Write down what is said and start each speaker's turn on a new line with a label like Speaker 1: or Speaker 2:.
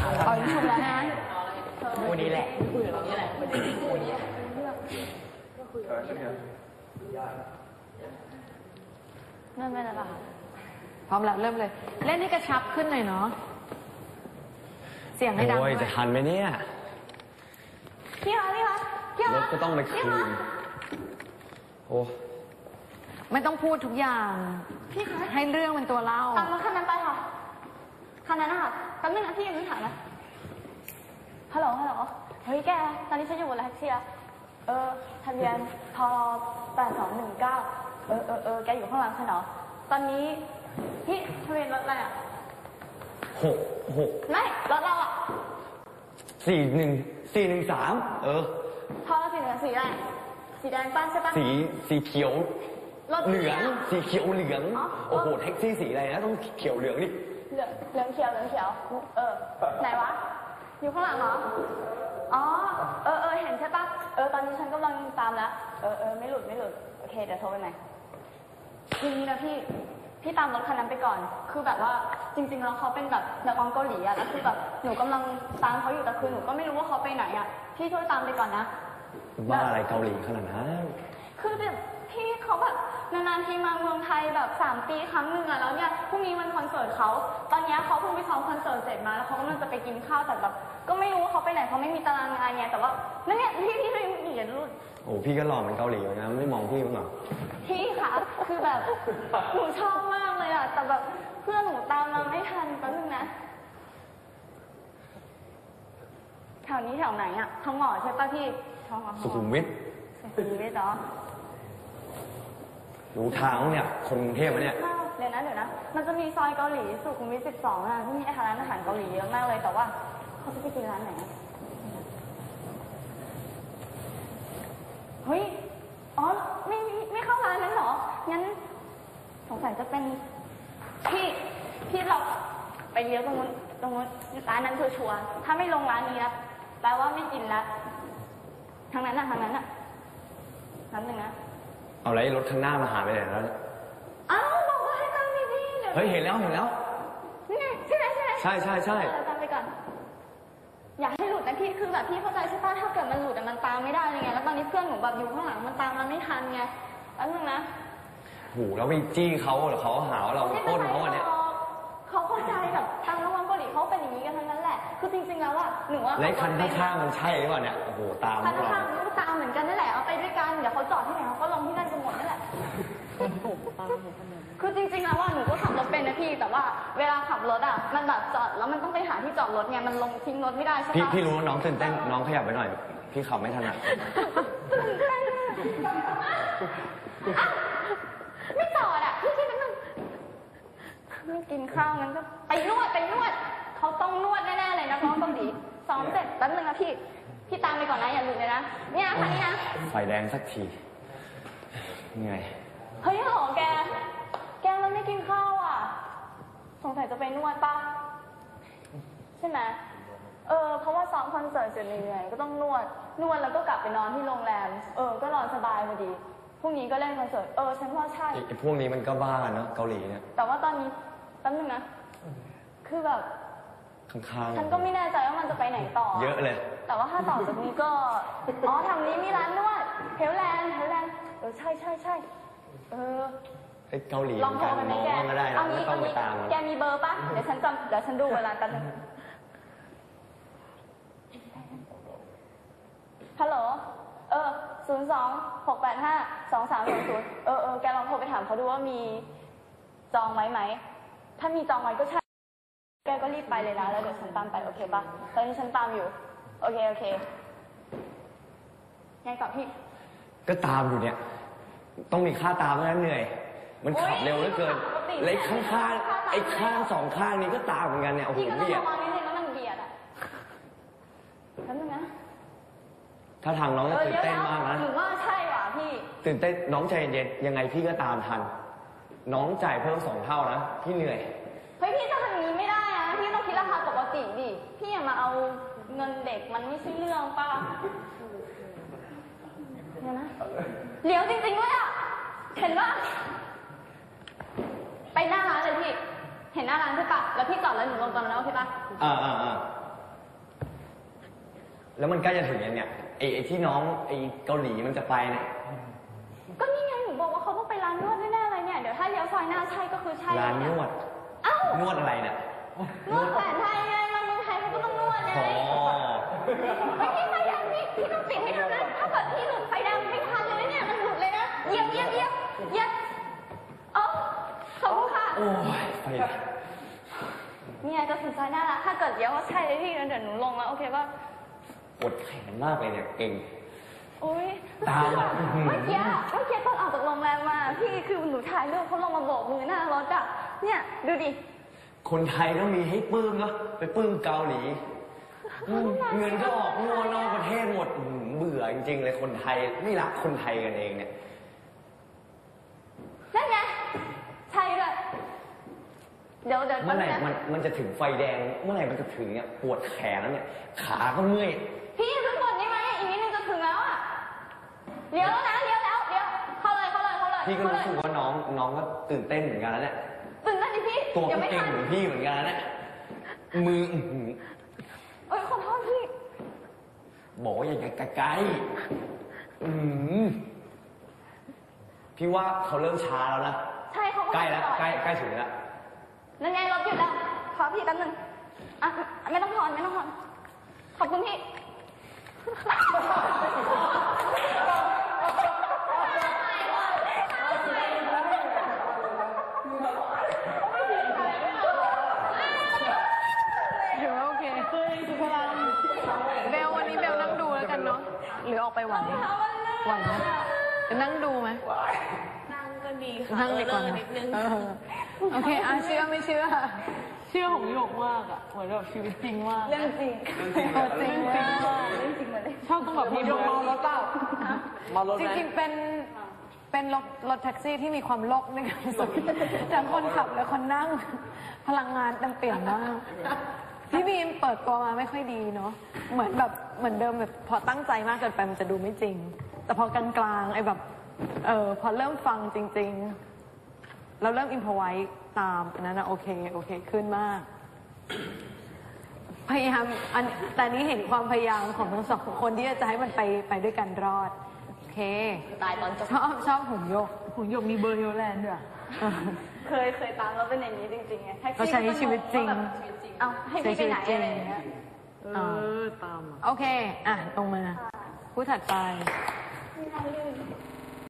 Speaker 1: เอาถูกแล้วนะ
Speaker 2: คู่นี้แหละ
Speaker 1: เริ่มเลยนะคะพร้อมแล้วเริ่มเลยเล่นให้กระชับขึ้นหน่อยเนาะเสียงให้ดังด้วย
Speaker 2: จะทันไหมเนี่ย
Speaker 1: พี่คะ
Speaker 2: รถก็ต้องไปคืนโอ้
Speaker 1: ไม่ต้องพูดทุกอย่างพี่คะให้เรื่องเป็นตัวเล่า
Speaker 3: ตามรถคันนั้นไปค่ะคันนั้นนะคะแป๊บนึงนะพี่ยังไม่ถามนะฮัลโหลเฮ้ยแกตอนนี้ฉันอยู่บนรถแท็กซี่ทะเบียนพ8219แกอยู่ข้างหลังฉันเหรอตอนนี้พี่ทะเบียนรถอะไรอ่ะ
Speaker 2: 6
Speaker 3: ไม่รถเราอ่ะ
Speaker 2: 413
Speaker 3: พอสีเหลืองสีอะไรสีแดงป้าใช่ปะ
Speaker 2: สีเขียวเหลืองสีเขียวเหลืองโอ้โหแท็กซี่สีอะไรนะต้องเขียวเหลืองดิ
Speaker 3: เหลืองเขียวไหนวะอยู่ข้างหลังเหรอเห็นใช่ปะตอนนี้ฉันกำลังตามแล้วไม่หลุดโอเคเดี๋ยวโทรไปใหม่ทีนี้นะพี่ตามรถคันนั้นไปก่อนคือแบบว่าจริงๆแล้วเขาเป็นแบบนักร้องเกาหลีอะแล้วคือแบบหนูกำลังตามเขาอยู่แต่คือหนูก็ไม่รู้ว่าเขาไปไหนอะพี่ช่วยตามไปก่อนนะ
Speaker 2: ว่าอะไรเกาหลีขนาดนั้น
Speaker 3: คือแบบพี่เขาแบบนานๆทีมาเมืองไทยแบบ3 ปีครั้งหนึ่งอะแล้วเนี่ยพรุ่งนี้มันคอนเสิร์ตเขาตอนนี้เขาเพิ่งไปซ้อมคอนเสิร์ตเสร็จมาแล้วเขากำลังจะไปกินข้าวแต่แบบก็ไม่รู้ว่าเขาไปไหนเขาไม่มีตารางงานไงแต่ว่านั่นเนี่ยพี่ไม่เหยียดรุ่น
Speaker 2: โอ้พี่ก็หล่อเหมือนเกาหลีนะไม่มองพี่มั้งหรอ
Speaker 3: พี่คะคือแบบหนูชอบมากเลยอะแต่แบบเพื่อนหนูตามมาไม่ทันแป๊บนึงนะแถวนี้แถวไหนอะทองหล่อใช่ป่ะพี่ทองหล่อ
Speaker 2: สุขุมวิท
Speaker 3: เหรอ
Speaker 2: รู้ทางเนี่ยคนกรุงเทพเนี่ย
Speaker 3: เดี๋ยวนะมันจะมีซอยเกาหลีสุขุมวิท12อะที่มีร้านอาหารเกาหลีเยอะมากเลยแต่ว่าเขาจะไปกินร้านไหนเฮ้ยไม่เข้าร้านนั้นหรองั้นสงสัยจะเป็นพี่เราไปเลี้ยวตรงนู้นร้านนั้นชัวร์ถ้าไม่ลงร้านนี้นะแปลว่าไม่กินละทางนั้นนั่นหนึ่งนะ
Speaker 2: เอาไรรถข้างหน้ามาหาไปไหนแล้ว
Speaker 3: บอกว่าให้ตามดี
Speaker 2: เฮ้ยเห็นแล้ว
Speaker 3: นี่ไงใช่ไหม
Speaker 2: ใช่
Speaker 3: ตามไปก่อนอย่าให้หลุดนะพี่คือแบบพี่เข้าใจใช่ป่ะถ้าเกิดมันหลุดมันตามไม่ได้ไงแล้วตอนนี้เพื่อนหนูแบบอยู่ข้างหลังมันตามเราไม่ทันไงแล้วนึงนะ
Speaker 2: โหแล้วไปจี้เขาหรือเขาหาว่าเราโค่นเขาเนี่ย
Speaker 3: เขาเข้าใจแบบทางนักร้องเกาหลีเขาเป็นอย่างนี้กันทั้งนั้นแหละคือจริงๆแล้วอะหนูว่า
Speaker 2: ไอ้คันข้างๆมันใช่หรือเปล่าเนี่ยโอ้โหตาม
Speaker 3: คันข้างๆมันก็ตามเหมือนกันนั่นแหละเอาไปด้วยกันเดี๋ยวเขาจอดที่ไหนเขาก็ลงที่นั่นกันหมดนั่นแหละคือจริงๆแล้วว่าหนูก็ขับรถเป็นนะพี่แต่ว่าเวลาขับรถอะมันแบบจอดแล้วมันต้องไปหาที่จอดรถไงมันลงทิ้งรถไม่ได้ใช่ปะ
Speaker 2: พี่รู้น้องตื่นเต้นน้องขยับไปหน่อยพี่ขับไม่ถนัด
Speaker 3: ไม่จอดอะพี่คิดว่าไม่กินข้าวงั้นก็ไปนวดเขาต้องนวดแน่ๆเลยนะน้องเกาหลีซ้อมเสร็จแป๊บนึงนะพี่ตามไปก่อนนะอย่าหลุดเลยนะเนี่ยค่ะนี่นะ
Speaker 2: ไฟแดงสักทีเหนื่อย
Speaker 3: เฮ้ยหรอแกมันไม่กินข้าวอ่ะสงสัยจะไปนวดป่ะใช่ไหมเพราะว่าซ้อมคอนเสิร์ตเสร็จเหนื่อยก็ต้องนวดแล้วก็กลับไปนอนที่โรงแรมก็นอนสบายพอดีพรุ่งนี้ก็เล่นคอนเสิร์ตฉันว่าใช่
Speaker 2: ไอ้พวกนี้มันก็บ้าเนาะเกาหลีเนี่ย
Speaker 3: แต่ว่าตอนนี้แป๊บนึงนะคือแบบ
Speaker 2: ข้างๆ
Speaker 3: ฉันก็ไม่แน่ใจว่ามันจะไปไหนต่อ
Speaker 2: เยอะเลย
Speaker 3: แต่ว่าถ้าต่อจากนี้ก็ทางนี้มีร้านนวดเฮลแลนด์ใช่
Speaker 2: ไอ้เกาหลี
Speaker 3: ลองโทรไปไหมแก
Speaker 2: ก็ได้นะไม่ต้องไปตาม
Speaker 3: แกมีเบอร์ป่ะเดี๋ยวฉันดูเวลากันฮัลโหล02-685-2300แกลองโทรไปถามเขาดูว่ามีจองไว้ไหมถ้ามีจองไว้ก็ใช่แกก็รีบไปเลยนะแล้วเดี๋ยวฉันตามไปโอเคป่ะตอนนี้ฉันตามอยู่โอเคยังต่อพี่
Speaker 2: ก็ตามอยู่เนี่ยต้องมีค่าตามแล้วเหนื่อยมันขับเร็วเหลือเกินเลยข้างสองข้างนี้ก็ตามเหมือนกันเนี่ยโอ้โห
Speaker 3: เบียดแล้วมันเบียดอ่ะแล้วนึงนะ
Speaker 2: ถ้าทางน้องจะตื่นเต้นมากนะ
Speaker 3: หนูว่าใช่ว่ะพี่
Speaker 2: ตื่นเต้นน้องใจเย็นยังไงพี่ก็ตามทันน้องจ่ายเพิ่ม2 เท่านะพี่เหนื่อย
Speaker 3: เฮ้ยพี่จะทำอย่างนี้ไม่ได้นะพี่ต้องคิดราคาปกติดิพี่อย่ามาเอาเงินเด็กมันไม่ใช่เรื่องป่ะเนี่ยนะเลี้ยวจริงๆด้วยอ่ะเห็นป่ะไปหน้าร้านเลยพี่เห็นหน้าร้านใช่ปะแล้วพี่จอดแล้วหนูลงตอนนั้นโอเคป่ะ
Speaker 2: แล้วมันใกล้จะถึงยังเนี่ยไอ้ที่น้องไอ้เกาหลีมันจะไปเนี่ย
Speaker 3: ก็นี่ไงหนูบอกว่าเขาต้องไปร้านนวดแน่ๆเลยเนี่ย เดี๋ยวถ้าเลี้ยวซอยหน้าใช่ก็คือใช่
Speaker 2: ร้านนวด
Speaker 3: เอ้าน
Speaker 2: วดอะไรเนี่ย
Speaker 3: นวดแผนไทยไงมาเมืองไทยเขาก็ต้องนวดไง
Speaker 2: อ๋อ
Speaker 3: ไม่พี่ไฟแดงพี่ต้องปิดให้ทันนะถ้าเกิดพี่หลุดไฟแดงไม่ทันเลยนะเนี่ยมันหลุดเลยนะเหยียบเอ้าขอบคุณค่ะ
Speaker 2: โอ้ยไฟ
Speaker 3: เนี่ยก็ถึงซอยหน้าละถ้าเกิดเลี้ยวว่าใช่เลยพี่งั้นเดี๋ยวหนูลงแล้วโอเคป่ะ
Speaker 2: ปวดแขนมากเลยเนี่ยเก่ง
Speaker 3: อุ้ย
Speaker 2: ตามอ่ะ
Speaker 3: เมื่อกี้ตอนออกจากโรงแรมมาพี่คือหนูถ่ายรูปเขาลงมาโบกมือหน้ารถอ่ะเนี่ยดูดิ
Speaker 2: คนไทยก็มีให้ปลื้มเนาะไปปลื้มเกาหลีเงินก็ออกงัวนอกประเทศหมดเบื่อจริงๆเลยคนไทยไม่รักคนไทยกันเองเนี่ย
Speaker 3: นั่นไงใช่เลยเดี๋ยว
Speaker 2: เมื่อไหร่มันจะถึงไฟแดงเมื่อไหร่มันจะถึงเนี่ยปวดแขนแล้วเนี่ยขาก็เมื่อย
Speaker 3: พี่ขึ้นบนได้ไหมอีกนิดนึงจะถึงแล้วอ่ะเลี้ยวแล้วนะเลี้ยวเข้าเลย
Speaker 2: พี่ก็รู้สึกว่าน้องก็ตื่นเต้นเหมือนกันแล้วเนี่ย
Speaker 3: ตื่นเต้นดิพี่
Speaker 2: ตัว
Speaker 3: ยั
Speaker 2: ก็
Speaker 3: งไม่
Speaker 2: เก่ง
Speaker 3: ทัน
Speaker 2: เหมือนพี่เหมือนกันแล้วเนี่ยมือ
Speaker 3: เอ้ยขอโทษพี่
Speaker 2: บอกว่าอย่าใกล้พี่ว่าเขาเริ่มช้าแล้วนะ
Speaker 3: ใช่เขา
Speaker 2: ใกล้แล้วใกล้ถึงแล้ว
Speaker 3: นั่นไงรถหยุดแล้วขอพี่แป๊บนึงอ่ะไม่ต้องถอนขอบคุณพี่
Speaker 1: ถือว่าโอเคสุภาพเบลวันนี้เบลนั่งดูแล้วกันเนาะหรือออกไปไหวไหวไหมจะนั่งดูไหม
Speaker 4: นั่งก็ดีค่ะ
Speaker 1: นั่งดีกว่า
Speaker 4: เลิ
Speaker 1: นะ
Speaker 4: นิดนึง
Speaker 1: โอเคเชื่อไม่เชื่อ เชื่อของหยกมากอ่ะเหมือนแบบชีวิตจริงมาก
Speaker 3: เรื่องจริง
Speaker 1: จริงมาก
Speaker 3: เรื่องจริงมาเลย
Speaker 1: ชอบต้องแบบมีรถเปล่า
Speaker 2: มารถ
Speaker 1: จริงๆเป็นรถแท็กซี่ที่มีความโลกในการสุดทั้งคนขับและคนนั่งพลังงานเต็มเปี่ยมมากพี่บีมเปิดตัวมาไม่ค่อยดีเนาะเหมือนเดิมแบบพอตั้งใจมากเกินไปมันจะดูไม่จริง แต่พอกลางๆไอ้แบบพอเริ่มฟังจริงๆเราเริ่มอิมพอไว้ตามอันนั้นนะโอเคขึ้นมาก พยายามแต่นี้เห็นความพยายามของทั้งสองคนที่จะให้มันไปด้วยกันรอดโอเค
Speaker 3: ตายตอนจบ
Speaker 1: ชอบหุ่นยกมีเบอร์เฮลแลนด์ด้วย
Speaker 3: เคยตามแล้วเป็นอย่างนี้จริงๆไง
Speaker 1: เขาใช้ชีวิตจริง
Speaker 3: เอาให้พี่ไปไหนอะไรอย่างเงี้ย
Speaker 1: ตามโอเคตรงมาผู้ถัดไป
Speaker 3: ไม่น่าลื่น